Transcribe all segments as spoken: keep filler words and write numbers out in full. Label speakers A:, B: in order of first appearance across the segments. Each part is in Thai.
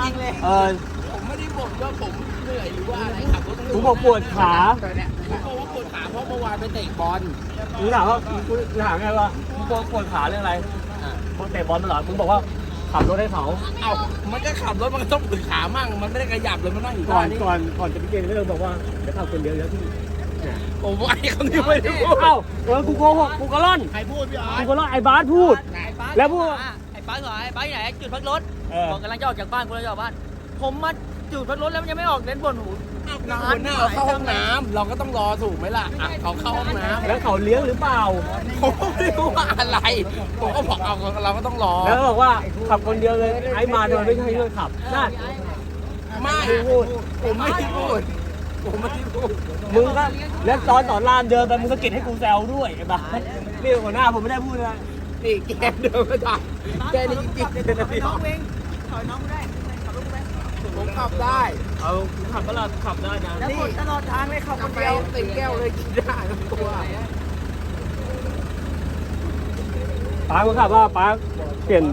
A: ริงเลย
B: เออ
C: ผมไม่ได้บ่นว่าผมเหนื่อยหรือว่าอะไรขับรถ
B: กูบอกปวดขา
C: ผมบอกว่าปวดขาเพราะเมื่อวานไปเตะบอล
B: มึงถามว่ากูถามไงว่ามึงปวดขาเรื่องอะไรมึงเตะบอลมาเหรอมึงบอกว่าขับรถให้เขา
C: เอ้ามันก็ขับรถมันก็ต้องปวดขามั่งมันไม่ได้ขยับเลยมันนั่งอยู่
B: ก่อน
C: นี้
B: ก่อนก่อนจะไปเกมก็เลยบอกว่าจะขับคนเดียวแล้วที่เนี่ย
C: ผมว่าไอ้คนนี้ไม่ได้พูด
B: เอ้าเออกูโกหกกูกระล่อน
C: ใครพูดพี่อ๋อ
B: กูกระล่อนไอ้บาสพูด แล้วพูด
A: ไอ้ป้าเหรอไอ้ป้าที่ไหนจุดพักรถ
B: เออ
A: บอกกำลังจะออกจากบ้านกูกำลังจะออกบ้าน ผมมาจุดพักรถแล้วมันยังไม่ออกเล่นบนหู
C: นานหน้าเขาเข้าห้องน้ำเราก็ต้องรอถูกไหมล่ะอ่ะเขาเข้าห้องน้ำ
B: แล้วเขาเลี้ยงหรือเปล่า
C: ผมไม่รู้ว่าอะไรผมก็บอกเอาเราก็ต้องรอ
B: แล้วบอกว่าขับคนเดียวเลยไอ้มาโดยไม่ใช่เรื่องขับนั่น
C: ไม่
B: ไม่พูด
C: ผมไม่ได้พูดผมไม่ได้พูด
B: มึงก็แล้วตอนสอนรามเดินไปมึงสะกิดให้กูแซวด้วยไอ้บ้านี่หัวหน้าผมไม่ได้พูดนะ
C: นี่แกเดินมาได้แกนี่จริงๆเลยนะพี่
A: น้องเองถอยน้องกูได้ขับรถกูได้
C: ผมขับได้
B: เอาขับก็เราขับได้นะ
A: แล้วคนตลอดทางเลยขับคน
C: ไป
A: เดียว
C: เต็มแก้วเลยกินได้ทั้งตัว
B: ป้ามึงขับว่าป้าเปลี่ยน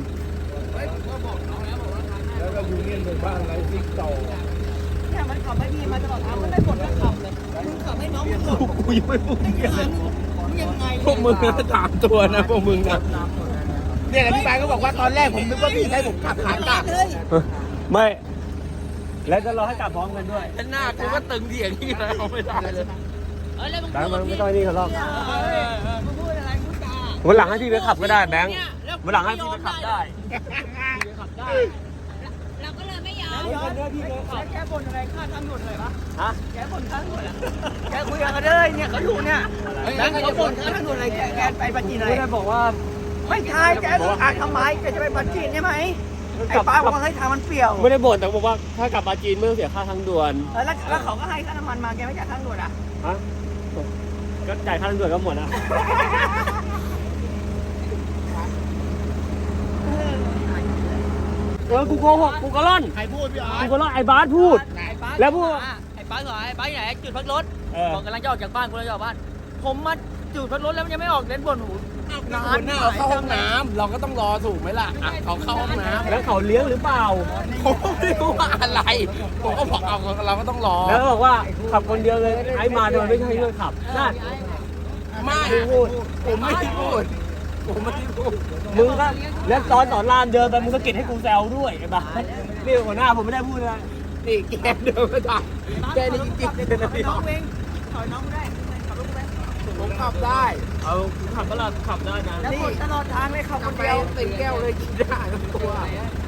C: แล้วก็ยูเนียนเป็นบ้านไรซิกโต
A: เนี่ยมันขับไม่ดีมาตลอดทางมันได้ผลก็ขับเลยมึงขับให้น้องมึงหลบ
B: กูยังไม่พูด
A: ไม่ทันมึงยังไง
C: พวกมึงนะสามตัวนะพวกมึงนะเนี่ยพี่ปายก็บอกว่าตอนแรกผมนึกว่าพี่ให้ผมขับขากลับ
A: เลย
B: ไม่ แล้วจะรอให้กลับพร้อมกันด้วย
C: หน้ากูก็ตึงเถียงที่แล้วไม่ได้เลย
A: เออแล้วมึง
B: แบงค์มันไม่ต้องไอ้นี่เขาหรอก
A: มึงพูดอะไรพูดจา
B: วันหลังให้พี่ไปขับก็ได้แบงค์วันหลังให้พี่ไปขับได้
A: เราก็เลยไม่ยอม
B: ย้อนพี่ไปขับ
A: แกบ่นอะไรค่าทางด่วนเลยปะ
B: ฮะ
A: แกบ่นค่าทางด่วนอะแกคุยกันกันเลยเนี่ยเขาอยู่เนี่ยแล้วเขาบ่นค่าทางด่วนอะไรแกแกไปปัจจีนอะไร
B: ไม่ได้บอกว่า
A: ไม่ใช่แกอ่านทำไมแกจะไปปัจจีนใช่ไหมไอ้ป้าบอกว่าให้ทางมันเปรี่ยว
B: ไม่ได้บ่นแต่บอกว่าถ้ากลับมาจีนไม่ต้องเสียค่าทางด่วน
A: เออแล้วแล้วเขาก็ให้ค่าน้ำมันมาแกไม่จ่ายค่าทางด่วนอ่ะ
B: ฮะก็จ่ายค่าทางด่วนก็หมดนะเออกูโกหกกูกระล่อน
C: ใครพูดพี่อ๋อ
B: กูกระล่อนไอ้บาสพูด แล้วพูด
A: ไอ้ป้าเหรอไอ้ป้าที่ไหนจุดพักรถ
B: เออ
A: บอกกำลังจะออกจากบ้านกูกำลังจะออกบ้าน ผมมาจุดพักรถแล้วมันยังไม่ออกเล่นบนหู
C: นานหน้าเขาเข้าห้องน้ำเราก็ต้องรอถูกไหมล่ะอ่ะเขาเข้าห้องน้ำ
B: แล้วเขาเลี้ยงหรือเปล่า
C: ผมไม่รู้ว่าอะไรผมก็บอกเอาเราก็ต้องรอ
B: แล้วบอกว่าขับคนเดียวเลยไอ้มาโดยไม่ใช่เรื่องขับนั่น
C: ไม่
B: ไม่พูด
C: ผมไม่ได้พูดผมไม่ได้พูด
B: มึงก็แล้วตอนสอนรามเดินไปมึงสะกิดให้กูแซวด้วยไอ้บ้านี่หัวหน้าผมไม่ได้พูดนะ
C: นี่แกเดินมาได้แกนี่จริงๆเลยนะพี่
A: น้องเองถอยน้องกูได้ขับรถกูได้
C: ผมขับได้
B: เอาขับก็เราขับได้นะ
A: แล้วคนตลอดทางเลยขับคน
C: ไป
A: เดียว
C: เต็มแก้วเลยกินได้ทั้งตัว
A: เ